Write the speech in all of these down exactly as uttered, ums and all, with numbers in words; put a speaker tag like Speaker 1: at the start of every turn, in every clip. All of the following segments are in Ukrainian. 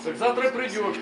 Speaker 1: Так завтра придешь.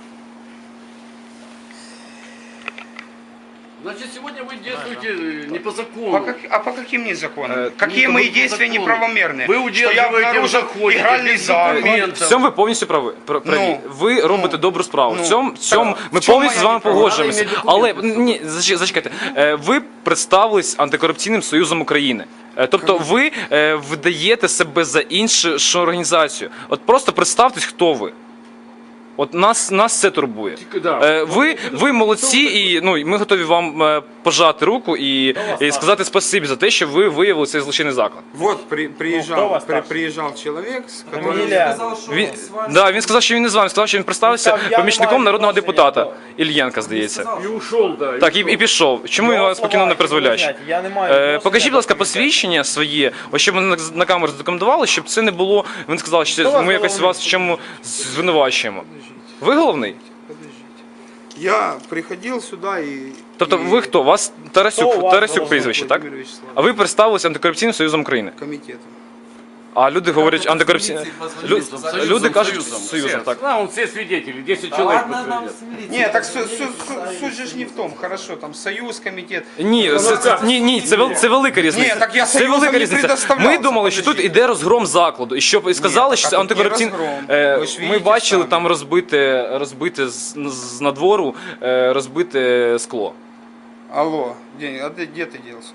Speaker 1: Значит, сегодня вы действуете не по закону.
Speaker 2: По как, а по каким не законам?
Speaker 3: Э,
Speaker 2: Какие
Speaker 1: не
Speaker 2: мои
Speaker 1: по
Speaker 2: действия
Speaker 1: закону.
Speaker 2: неправомерные?
Speaker 1: Вы
Speaker 2: Что я
Speaker 1: удерживаете в
Speaker 2: обнаружил
Speaker 1: заходе
Speaker 2: игральный
Speaker 1: без
Speaker 2: зал.
Speaker 1: документов.
Speaker 3: В цьому ви повністю прави. пр- праві.
Speaker 2: Ну,
Speaker 3: ви робите
Speaker 2: ну,
Speaker 3: добру справу.
Speaker 2: ну,
Speaker 3: в цьому, в цьому
Speaker 2: так,
Speaker 3: ми
Speaker 2: в чому
Speaker 3: повністю з
Speaker 2: я
Speaker 3: вами
Speaker 2: не прав?
Speaker 3: погоджуємося.
Speaker 1: Надо
Speaker 3: Але
Speaker 1: іметь
Speaker 3: ні, зач- зачекайте. Е, Ви представились антикорупційним союзом України. Е, Тобто ви е, видаєте себе за іншу організацію. От просто представтесь, хто ви. От нас, нас це турбує.
Speaker 1: Тільки, да.
Speaker 3: Е, Ви, ви молодці, і ну, ми готові вам е, пожати руку і, і сказати спасибі за те, що ви виявили цей злочинний заклад.
Speaker 2: Вот при,
Speaker 4: Ну,
Speaker 2: приезжал,
Speaker 4: кто вас
Speaker 2: при,
Speaker 4: старший?
Speaker 2: приезжал человек, с которым...
Speaker 4: Фамилия?
Speaker 3: Він, да, він сказав, що він не з вами, сказав, що він представився
Speaker 4: Так, я не
Speaker 3: помічником
Speaker 4: маю
Speaker 3: народного
Speaker 4: відношення
Speaker 3: депутата Ільєнка, здається.
Speaker 1: И ушел, да. и
Speaker 3: Так, і,
Speaker 1: ушел.
Speaker 3: і пішов. Чому він вас покинув на призволяще?
Speaker 4: Я не маю
Speaker 3: Е,
Speaker 4: відношення
Speaker 3: покажіть, будь
Speaker 4: до
Speaker 3: ласка,
Speaker 4: комітету.
Speaker 3: посвідчення своє, ось щоб ми на, на камеру задокументували, щоб це не було. Він сказав, що
Speaker 4: Хто вас
Speaker 3: ми якось
Speaker 4: головний?
Speaker 3: вас в чому звинувачуємо. Ви головний?
Speaker 2: Я приходил сюда и...
Speaker 3: Тобто
Speaker 2: и-
Speaker 3: ви хто? Вас Тарасюк,
Speaker 4: Хто у вас
Speaker 3: Тарасюк
Speaker 4: головний?
Speaker 3: прізвище, так?
Speaker 2: Владимир Вячеславович,
Speaker 3: А ви представилися антикорупційним союзом України.
Speaker 2: комитетом.
Speaker 3: А люди говорять антикорупційним. Лю...
Speaker 1: Союзом,
Speaker 3: Люди кажуть
Speaker 1: союзом,
Speaker 3: союзом,
Speaker 1: все.
Speaker 3: так.
Speaker 1: Да, он все свидетели, десять человек подтвердят.
Speaker 2: Не, так су- су- су- суть же ж не в том, хорошо, там союз, комитет.
Speaker 3: Ні, це, це, ні, ні, це, вел- це велика різниця.
Speaker 2: Ні, так я
Speaker 3: це
Speaker 2: союзом
Speaker 3: велика
Speaker 2: не
Speaker 3: різниця.
Speaker 2: предоставлявся,
Speaker 3: Ми думали, що тут
Speaker 2: подождіть.
Speaker 3: іде розгром закладу, і щоб і сказали,
Speaker 2: так,
Speaker 3: що
Speaker 2: а
Speaker 3: це
Speaker 2: тут не
Speaker 3: антикорупційний.
Speaker 2: розгром.
Speaker 3: Е,
Speaker 2: Ви ж
Speaker 3: Ми
Speaker 2: видите
Speaker 3: бачили
Speaker 2: самі.
Speaker 3: там розбите, розбите з, з надвору, е, розбите скло.
Speaker 2: Алло, где, а ты, где ты делся?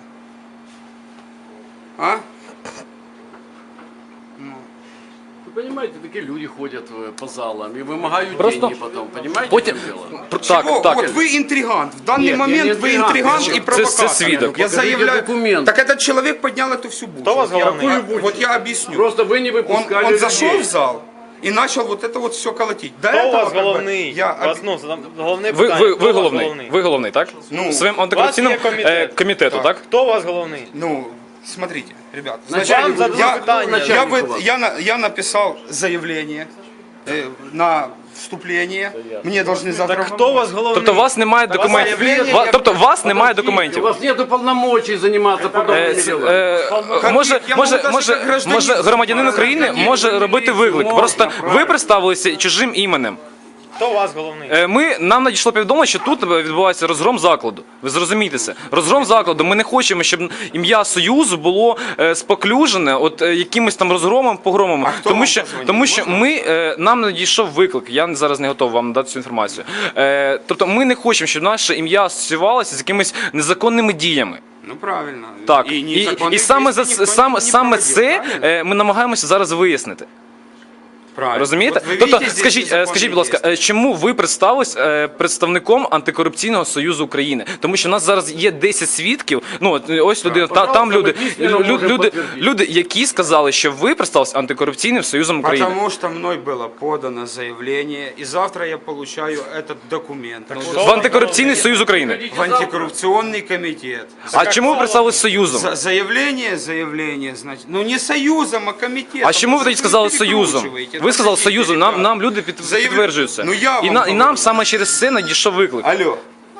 Speaker 2: А?
Speaker 1: Вы понимаете, такие люди ходят э, по залам и вымогают
Speaker 3: Просто-
Speaker 1: деньги потом, понимаете,
Speaker 3: Потім
Speaker 1: в чем дело?
Speaker 3: Пр- так,
Speaker 2: Чего?
Speaker 3: так.
Speaker 2: Вот вы интригант. В данный
Speaker 1: Нет,
Speaker 2: момент
Speaker 1: я не
Speaker 2: вы
Speaker 1: интригант.
Speaker 2: интригант
Speaker 1: Це-
Speaker 2: и провокатор.
Speaker 3: це свідок.
Speaker 2: Я
Speaker 1: Покажите
Speaker 2: заявляю.
Speaker 1: документ.
Speaker 2: Так этот человек поднял эту всю бучу.
Speaker 4: Кто у вас
Speaker 2: Я-
Speaker 4: главный?
Speaker 2: я-
Speaker 1: Какую
Speaker 2: Вот я объясню.
Speaker 1: Просто вы не
Speaker 2: Он,
Speaker 1: выпускали
Speaker 2: он зашел
Speaker 1: людей.
Speaker 2: в зал и начал вот это вот все колотить. До
Speaker 4: Хто у
Speaker 2: этого
Speaker 4: вас
Speaker 2: как бы
Speaker 4: головний?
Speaker 2: Я
Speaker 4: Вас,
Speaker 2: об-
Speaker 4: ну, задам- головне
Speaker 3: Ви,
Speaker 4: питання.
Speaker 3: ви,
Speaker 4: Хто
Speaker 3: ви
Speaker 4: у вас
Speaker 3: головний. Ви головний, так?
Speaker 2: Ну,
Speaker 3: Своїм антикорупційним
Speaker 4: у вас є комітет.
Speaker 3: е, комітету, так?
Speaker 4: Хто у вас головний?
Speaker 2: Ну, смотрите, ребят.
Speaker 1: Начальник,
Speaker 4: Вам задали
Speaker 2: я,
Speaker 4: питання.
Speaker 2: я,
Speaker 1: Начальник
Speaker 2: вы-
Speaker 1: у вас.
Speaker 2: я, на- я написал заявление э, на вступление. Мне должны завтра...
Speaker 4: Так хто у вас головний?
Speaker 3: Тобто у вас немає документів.
Speaker 2: заявлення,
Speaker 3: Ва-
Speaker 2: я-
Speaker 3: Тобто у вас немає
Speaker 1: Подождите,
Speaker 3: документів.
Speaker 1: У вас нет полномочий заниматься
Speaker 3: Е,
Speaker 1: подобными
Speaker 3: ц-
Speaker 1: делами.
Speaker 3: е, Може,
Speaker 2: я
Speaker 3: може,
Speaker 2: можу даже
Speaker 3: може,
Speaker 2: як гражданин
Speaker 3: може громадянин
Speaker 2: займатися.
Speaker 3: України
Speaker 1: Ні,
Speaker 3: може
Speaker 1: ви
Speaker 3: робити
Speaker 1: дивіться,
Speaker 3: виклик.
Speaker 1: можна,
Speaker 3: Просто ви
Speaker 1: правильно.
Speaker 3: представилися чужим іменем.
Speaker 4: Хто у вас головний?
Speaker 3: Е, Ми нам надійшло повідомлення, що тут відбувається розгром закладу. Ви зрозумієте це. Розгром закладу. Ми не хочемо, щоб ім'я Союзу було е, споклюжене от е, якимось там розгромом, погромом.
Speaker 2: А хто
Speaker 3: Тому
Speaker 2: вам
Speaker 3: що,
Speaker 2: позвонив?
Speaker 3: тому що
Speaker 2: Можна?
Speaker 3: ми е, нам надійшов виклик. Я зараз не готовий вам надати цю інформацію. Е, Тобто, ми не хочемо, щоб наше ім'я асоціювалося з якимись незаконними діями.
Speaker 2: Ну правильно.
Speaker 3: Так,
Speaker 2: І,
Speaker 3: і, і,
Speaker 2: незаконних
Speaker 3: саме за
Speaker 2: дій ніхто
Speaker 3: саме,
Speaker 2: не
Speaker 3: саме
Speaker 2: проводив,
Speaker 3: це
Speaker 2: правильно?
Speaker 3: е, ми намагаємося зараз вияснити.
Speaker 2: Правильно.
Speaker 3: Розумієте?
Speaker 2: От ви
Speaker 3: Тобто,
Speaker 2: бачите, здесь
Speaker 3: скажіть, е,
Speaker 2: незаконні
Speaker 3: скажіть, будь ласка,
Speaker 2: дії.
Speaker 3: е, чому ви представились е, представником антикорупційного союзу України? Тому що в нас зараз є десять свідків. Ну от е, ось людина, та, там
Speaker 1: пожалуйста,
Speaker 3: люди,
Speaker 1: ми дійсно
Speaker 3: лю-
Speaker 1: можемо
Speaker 3: люди,
Speaker 1: підтвердити.
Speaker 3: люди, які сказали, що ви представились антикорупційним союзом України.
Speaker 2: Потому что мной было подано заявление, и завтра я получаю этот документ
Speaker 3: В антикорупційний союз України.
Speaker 2: в антикоррупционный комитет.
Speaker 3: А чому ви представились союзом?
Speaker 2: За- заявление, заявление, значит, ну не союзом, а комитетом.
Speaker 3: А чому ви тоді сказали союзом?
Speaker 2: перекручиваете.
Speaker 3: Ви сказали
Speaker 2: Подождите,
Speaker 3: союзом. Нам
Speaker 2: ребят.
Speaker 3: нам люди під,
Speaker 2: Заяв-
Speaker 3: підтверджують це.
Speaker 2: Ну, я
Speaker 3: і,
Speaker 2: вам
Speaker 3: на, і нам
Speaker 2: говорю.
Speaker 3: саме через це надійшов виклик.
Speaker 2: Алло.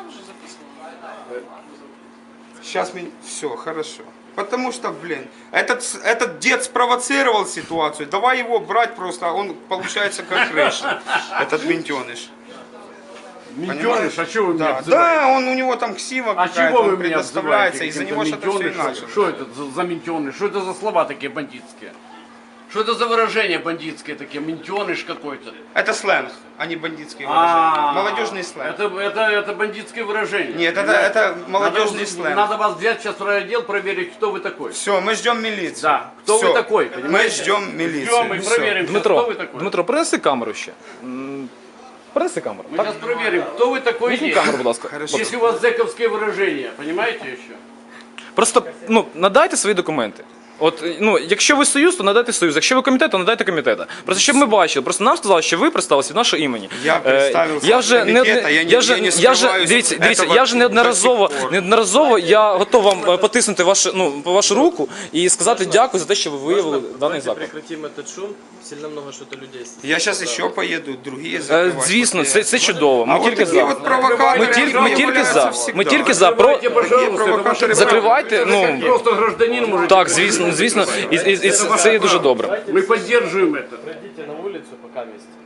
Speaker 2: Сейчас меня... Все, хорошо. Потому что, блин, этот, с- этот дед спровоцировал ситуацию. Давай его брать просто, он получается как крыша. Этот ментеныш.
Speaker 1: Ментеныш, а что вы меня
Speaker 2: Да,
Speaker 1: обзываете?
Speaker 2: да, он у него там ксива
Speaker 1: А
Speaker 2: какая-то,
Speaker 1: чего вы
Speaker 2: он
Speaker 1: меня
Speaker 2: предоставляется,
Speaker 1: обзываете?
Speaker 2: из-за
Speaker 1: каким-то
Speaker 2: него что-то все и
Speaker 1: ментеныш?
Speaker 2: началось.
Speaker 1: Что это за, за ментеныш? Что это за слова такие бандитские? Что это за выражения бандитские такие? Ментеныш какой-то.
Speaker 2: Это сленг, а не бандитские
Speaker 1: А,
Speaker 2: выражения. Молодежный сленг.
Speaker 1: Это, это, это бандитские выражения.
Speaker 2: Нет, это,
Speaker 1: Понимаете?
Speaker 2: это молодежный
Speaker 1: надо,
Speaker 2: сленг.
Speaker 1: Надо вас взять сейчас в райотдел, проверить, кто вы такой.
Speaker 2: Все, мы ждем милицию.
Speaker 1: Да, кто
Speaker 2: Всё.
Speaker 1: вы такой,
Speaker 2: Мы
Speaker 1: понимаете?
Speaker 2: ждем милицию.
Speaker 1: Ждем и
Speaker 2: Всё.
Speaker 1: проверим, сейчас,
Speaker 3: Дмитро,
Speaker 1: кто вы такой.
Speaker 3: Дмитро, принеси камеру ще. М, Принеси камеру.
Speaker 1: Мы сейчас проверим, кто вы такой
Speaker 3: Візьми
Speaker 1: есть.
Speaker 3: камеру, будь ласка.
Speaker 2: Хорошо.
Speaker 1: Если у вас зэковские выражения, понимаете еще?
Speaker 3: Просто ну, надайте свої документи. От, ну, якщо ви союз, то надайте союз. Якщо ви комітет, то надайте комітета. Просто щоб ми бачили. Просто нам сказали, що ви представилися від нашого імені.
Speaker 2: Я
Speaker 3: Е,
Speaker 2: представився
Speaker 3: я вже
Speaker 2: від
Speaker 3: не,
Speaker 2: комітета, я
Speaker 3: я
Speaker 2: ні-
Speaker 3: вже,
Speaker 2: я не
Speaker 3: я вже,
Speaker 2: скриваюсь
Speaker 3: дивіться, дивіться,
Speaker 2: этого
Speaker 3: я вже неодноразово,
Speaker 2: до сих пор.
Speaker 3: неодноразово я готов вам е, потиснути вашу, ну, вашу руку і сказати дякую за те, що ви виявили даний
Speaker 5: Давайте
Speaker 3: заклад.
Speaker 5: прекратим этот шум. Сильно много что-то людей.
Speaker 2: Я сейчас еще поеду, другие
Speaker 3: Е,
Speaker 2: закрывать.
Speaker 3: Звісно,
Speaker 2: после
Speaker 3: це, це чудово. Ми
Speaker 2: А вот
Speaker 3: тільки
Speaker 2: такие
Speaker 3: за.
Speaker 2: вот провокаторы,
Speaker 3: Ми тільки, ми
Speaker 2: они
Speaker 3: тільки
Speaker 2: являются
Speaker 3: за.
Speaker 2: всегда.
Speaker 3: Ми тільки за. Про...
Speaker 1: Закрывайте, пожалуйста, это ваше право.
Speaker 3: Закривайте, ну,
Speaker 1: Вы просто гражданин можете.
Speaker 3: так, звісно, звісно, і, і, і це є дуже добре.
Speaker 1: Мы поддерживаем это.
Speaker 5: Пройдите на улицу, пока вместе.